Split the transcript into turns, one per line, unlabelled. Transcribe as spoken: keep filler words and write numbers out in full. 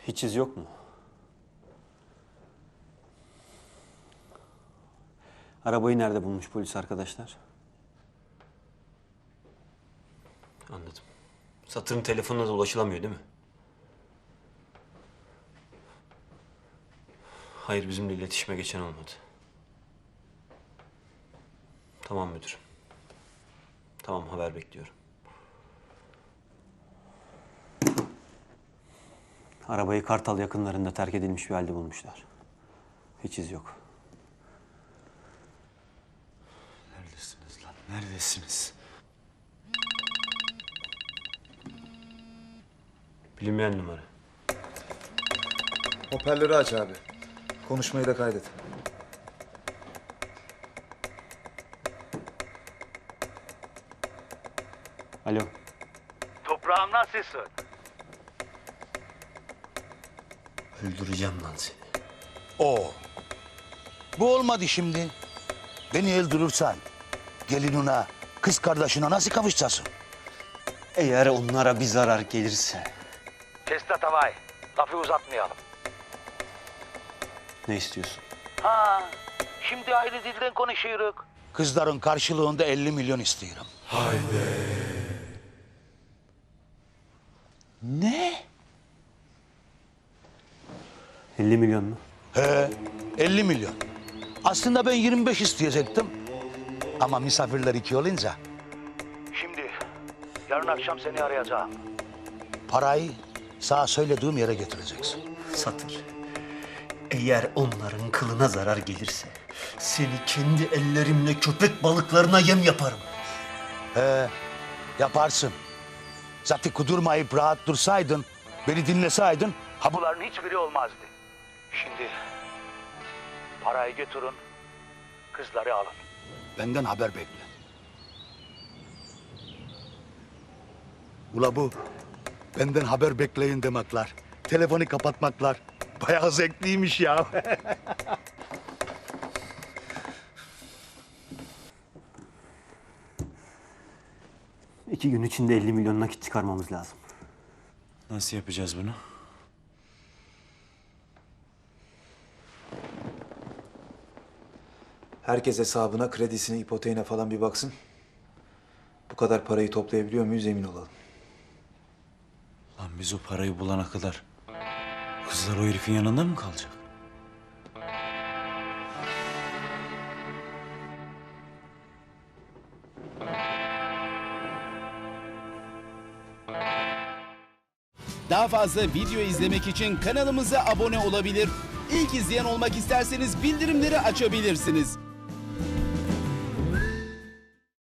Hiç iz yok mu? Arabayı nerede bulmuş polis arkadaşlar? Anladım. Satır'ın telefonuna da ulaşılamıyor değil mi? Hayır, bizimle iletişime geçen olmadı. Tamam müdürüm. Tamam, haber bekliyorum. Arabayı Kartal yakınlarında terk edilmiş bir halde bulmuşlar. Hiç iz yok.
Neredesiniz lan? Neredesiniz?
Bilinmeyen numara.
Hoparlörü aç abi. Konuşmayı da kaydet.
Alo.
Toprağım nasılsın?
Öldüreceğim lan seni.
O. Bu olmadı şimdi. Beni öldürürsen gelinine, kız kardeşine nasıl kavuşacaksın?
Eğer onlara bir zarar gelirse
Testa tavay. Lafı uzatmayalım.
ne istiyorsun?
Ha, şimdi ayrı dilden konuşuyoruz.
Kızların karşılığında elli milyon istiyorum. Ne?
elli milyon mu?
He, elli milyon. Aslında ben yirmi beş isteyecektim. Ama misafirler iki olunca
Şimdi, yarın akşam seni arayacağım.
parayı sana söylediğim yere getireceksin.
Satır. Eğer onların kılına zarar gelirse seni kendi ellerimle köpek balıklarına yem yaparım.
He, yaparsın. Zaten kudurmayıp rahat dursaydın, beni dinleseydin, ha bu
Bunların hiçbiri olmazdı. Şimdi, parayı götürün, kızları alın.
benden haber bekle. Ula bu benden haber bekleyin demekler. Telefonu kapatmaklar. Bayağı zevkliymiş ya.
İki gün içinde elli milyon nakit çıkarmamız lazım.
Nasıl yapacağız bunu?
Herkes hesabına, kredisine, ipoteğine falan bir baksın. Bu kadar parayı toplayabiliyor muyuz emin olalım.
Lan biz o parayı bulana kadar kızlar o herifin yanında mı kalacak?
Daha fazla video izlemek için kanalımıza abone olabilir. İlk izleyen olmak isterseniz bildirimleri açabilirsiniz.